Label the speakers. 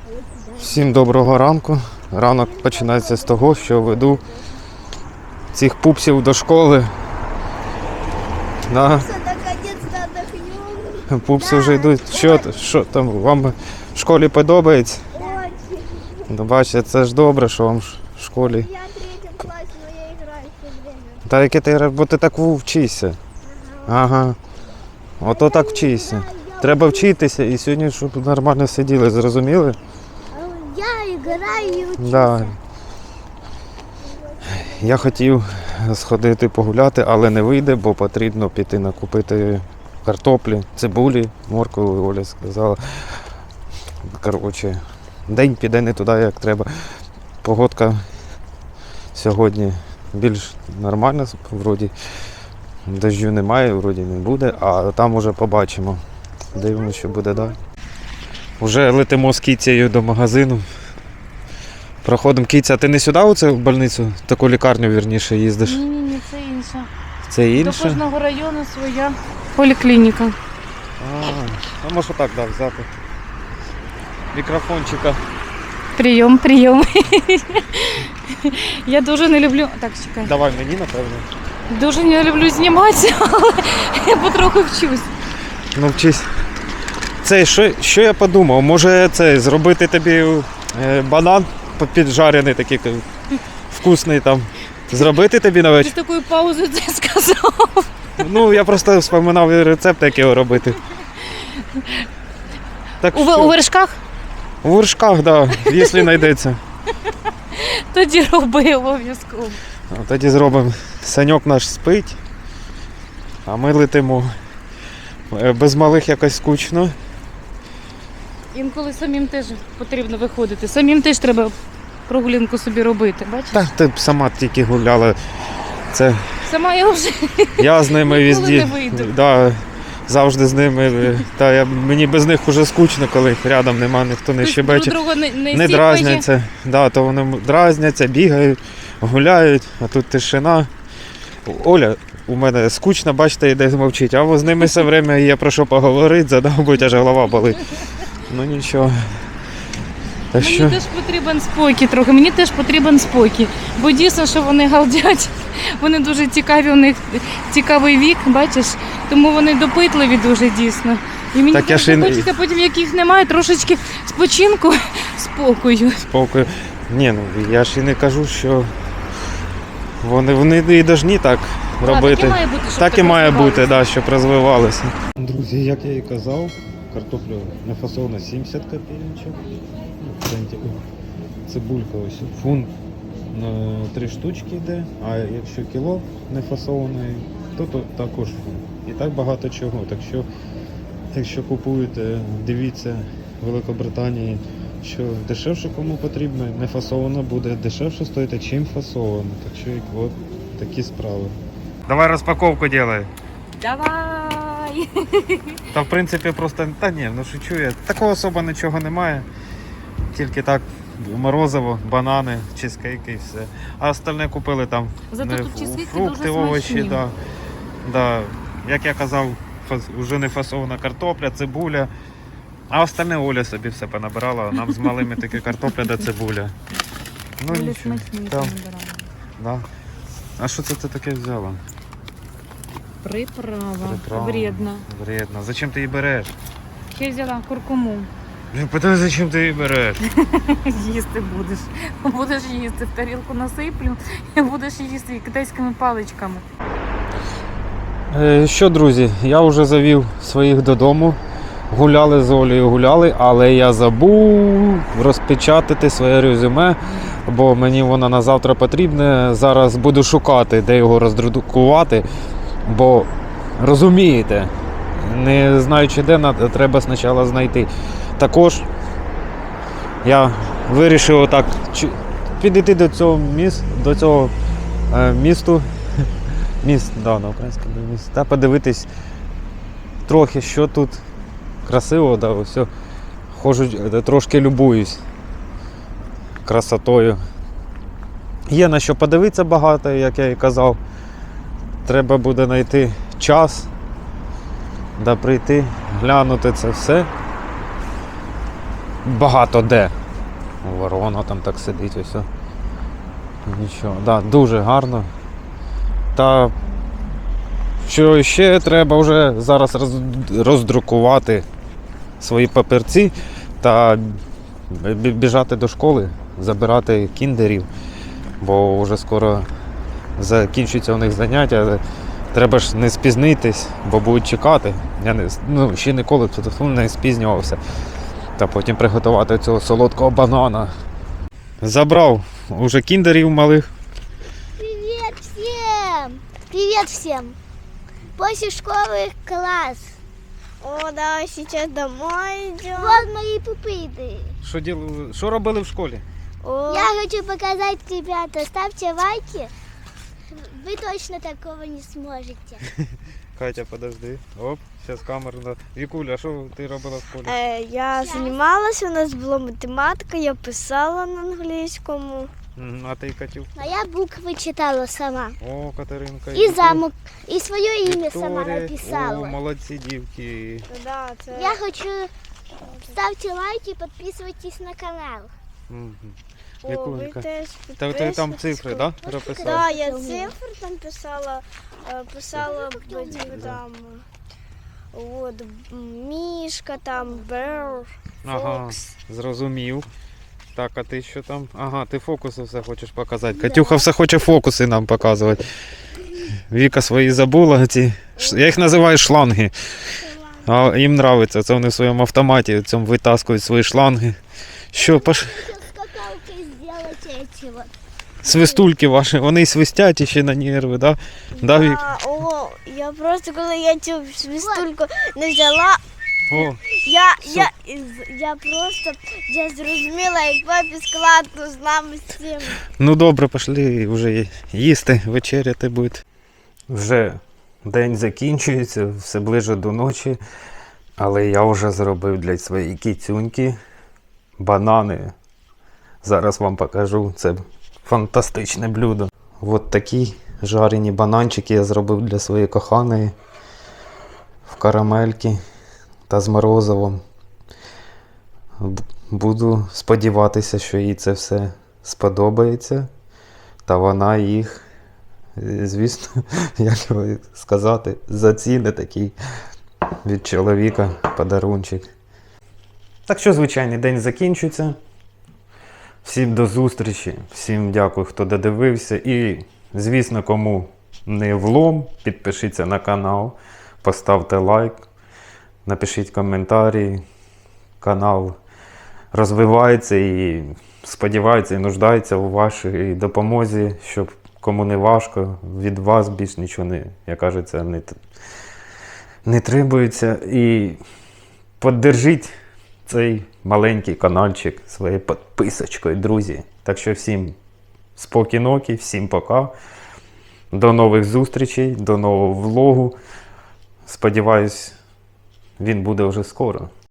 Speaker 1: Всім доброго ранку. Ранок починається з того, що веду цих пупсів до школи. Да. Пупси вже йдуть. Що там, вам в школі подобається? Ну, бачите, це ж добре, що вам в школі.
Speaker 2: Я третій клас, але я граю все время.
Speaker 1: Та яке ти, бо ти так вчишся. Ага. Ото так вчишся. Треба вчитися і сьогодні, щоб нормально сиділи, зрозуміли?
Speaker 2: Я граю і вчуся.
Speaker 1: Да. Я хотів сходити погуляти, але не вийде, бо потрібно піти накупити картоплі, цибулі, моркви, Оля сказала. Коротше, день піде не туди, як треба. Погодка сьогодні більш нормальна, вроді дощу немає, вроді не буде, а там уже побачимо. Дивимося, що буде далі. Уже летимо з кіцею до магазину. Проходимо. Кіця, ти не сюди оце в больницю, таку лікарню, вірніше, їздиш?
Speaker 3: Ні, це інше.
Speaker 1: Це
Speaker 3: До
Speaker 1: інше?
Speaker 3: кожного району своя поліклініка.
Speaker 1: А може так, да, взяти. Мікрофончика.
Speaker 3: Прийом. Я дуже не люблю. Так, чекай.
Speaker 1: Давай мені, напевно.
Speaker 3: Дуже не люблю зніматися, але я потроху вчусь.
Speaker 1: Ну вчись. Це, що я подумав, може це зробити тобі банан піджарений такий вкусний там. Зробити тобі на
Speaker 3: Ти з
Speaker 1: вечір?
Speaker 3: такою паузою це сказав.
Speaker 1: Ну, я просто вспоминав рецепт, як його робити. Так
Speaker 3: У вершках?
Speaker 1: У вершках, так, да, якщо знайдеться.
Speaker 3: Тоді роби обов'язково.
Speaker 1: Тоді зробимо. Саньок наш спить, а ми летимо. Без малих якось скучно.
Speaker 3: Інколи самим теж потрібно виходити. Самим теж треба прогулянку собі робити. Бачиш?
Speaker 1: Так, ти б сама тільки гуляла. Це
Speaker 3: Сама я вже
Speaker 1: я з ними
Speaker 3: ніколи
Speaker 1: везде.
Speaker 3: не вийду.
Speaker 1: Да, завжди з ними. Мені без них вже скучно, коли їх рядом нема, ніхто не
Speaker 3: Друг
Speaker 1: щебече.
Speaker 3: друга не
Speaker 1: Не
Speaker 3: сіпає.
Speaker 1: дразняться. Да, то вони дразняться, бігають, гуляють, а тут тишина. Оля у мене скучно, бачите, йде мовчить, а з ними все время є про що поговорити, задовбуть, аж голова болить. Ну нічого. Так
Speaker 3: Мені
Speaker 1: що...
Speaker 3: теж потрібен спокій трохи, мені теж потрібен спокій. Бо дійсно, що вони галдять, вони дуже цікаві, у них цікавий вік, бачиш, тому вони допитливі дуже дійсно. І мені
Speaker 1: Так я
Speaker 3: дуже
Speaker 1: ж і-
Speaker 3: хочеться потім, як їх немає, трошечки спочинку, спокою.
Speaker 1: Спокою. Ні, ну я ж і не кажу, що вони і должні так робити.
Speaker 3: Так і має бути, щоб
Speaker 1: Так і має бути,
Speaker 3: розвивалося.
Speaker 1: да, щоб розвивалося. Друзі, як я і казав, картоплю нафасовано 70 копійочок. Цибулька ось фунт на 3 штучки йде, а якщо кіло нефасованої, то також фунт. І так багато чого. Так що, якщо купуєте, дивіться в Великобританії, що дешевше кому потрібно, не фасовано буде дешевше стоїти, чим фасовано. Так що от такі справи. Давай розпаковку делай.
Speaker 3: Давай!
Speaker 1: Та в принципі просто, та ні, ну шучу я. Такого особо нічого немає. Тільки так морозиво, банани, чизкейки і все. А остальне купили там
Speaker 3: Зато тут чизкейки
Speaker 1: фрукти,
Speaker 3: дуже
Speaker 1: овочі.
Speaker 3: смачні.
Speaker 1: Да. Да. Як я казав, вже не фасована картопля, цибуля. А остальне Оля собі все понабирала, нам з малими тільки картопля да цибуля. Ну
Speaker 3: Дуже
Speaker 1: нічого.
Speaker 3: смачні
Speaker 1: Там,
Speaker 3: набирали.
Speaker 1: да. А що це ти таке взяла?
Speaker 3: Приправа. Вредна.
Speaker 1: Вредно. Зачем ти її береш?
Speaker 3: Ще взяла куркуму.
Speaker 1: Питаю, зачем ти її береш?
Speaker 3: Їсти будеш. Будеш їсти. В тарілку насиплю і будеш їсти китайськими паличками.
Speaker 1: Що, друзі, я вже завів своїх додому. Гуляли з Олею, гуляли, але я забув розпечатати своє резюме, бо мені воно на завтра потрібне. Зараз буду шукати, де його роздрукувати, бо розумієте, не знаючи де, треба спочатку знайти. Також я вирішив отак підійти до цього місту, да, на українському місті, та подивитись трохи, що тут красиво, да, ось, ходжу, трошки любуюсь красотою. Є на що подивитися багато, як я і казав. Треба буде знайти час, да прийти, глянути це все. багато де. Ворона там так сидить, ось. Нічого. Да, дуже гарно. Та що ще треба вже зараз роздрукувати свої папірці та біжати до школи, забирати кіндерів, бо вже скоро закінчуються у них заняття. Треба ж не спізнитись, бо будуть чекати. Я ще ніколи не спізнювався. Та потім приготувати цього солодкого банана. Забрав уже кіндерів малих.
Speaker 2: Привет всем! Привет всем! После школы класс.
Speaker 4: О, да, сейчас домой идем.
Speaker 2: Вот мои пупыты.
Speaker 1: Що робили в школі?
Speaker 4: О,
Speaker 2: Я хочу показать, ребята, ставьте лайки. Вы точно такого не сможете.
Speaker 1: Катя, подожди. Оп, зараз камеру. Вікуля, а що ти робила в школі?
Speaker 4: я занималась, у нас була математика, я писала на англійському.
Speaker 1: А ти, Катю?
Speaker 2: А я буквы читала сама.
Speaker 1: О, Катеринка.
Speaker 2: И замок, и свое имя сама
Speaker 1: Вікторія. О,
Speaker 2: написала.
Speaker 1: молодці дівки.
Speaker 4: Да, це...
Speaker 2: Я хочу, ставьте лайки, подписывайтесь на канал.
Speaker 1: Мгм.
Speaker 4: О, ви
Speaker 1: Вікулька.
Speaker 4: теж
Speaker 1: Та ти там
Speaker 4: підписуйтесь.
Speaker 1: цифри, да?
Speaker 2: Можна
Speaker 1: Прописав?
Speaker 4: Да, я цифри там писала, там, от, мішка там, Бер,
Speaker 1: Ага,
Speaker 4: Фокс.
Speaker 1: зрозумів. Так, а ти що там? Ага, ти фокуси все хочеш показати. Катюха все хоче фокуси нам показувати. Віка свої забула. Я їх називаю шланги. А їм подобається. Це вони в своєму автоматі цьому витаскують свої шланги. Що,
Speaker 2: Сейчас скакалкой сделать эти вот.
Speaker 1: свистульки ваші, вони й свистять ще на нерви, да? Да, Вік?
Speaker 4: О, я просто, коли я цю свистульку не взяла,
Speaker 1: О,
Speaker 4: я просто я зрозуміла, як папі складно з нами з цим.
Speaker 1: ну добре, пішли вже їсти, вечеряти буде. Вже день закінчується, все ближе до ночі, але я вже зробив для своєї кіцюньки банани. Зараз вам покажу, це фантастичне блюдо. От такі жарені бананчики я зробив для своєї коханої в карамельки та з морозивом. Буду сподіватися, що їй це все сподобається, та вона їх, звісно, як його сказати, заціни такий від чоловіка подарунчик. Так що звичайний день закінчується. Всім до зустрічі, всім дякую, хто додивився. І, звісно, кому не влом, підпишіться на канал, поставте лайк, напишіть коментарі. Канал розвивається і сподівається і нуждається у вашій допомозі, щоб кому не важко, від вас більш нічого не, як кажеться, не требується. І поддержіть цей маленький каналчик своєю підписочкою, друзі. Так що всім спокійнокі, всім пока. До нових зустрічей, до нового влогу. Сподіваюсь, він буде вже скоро.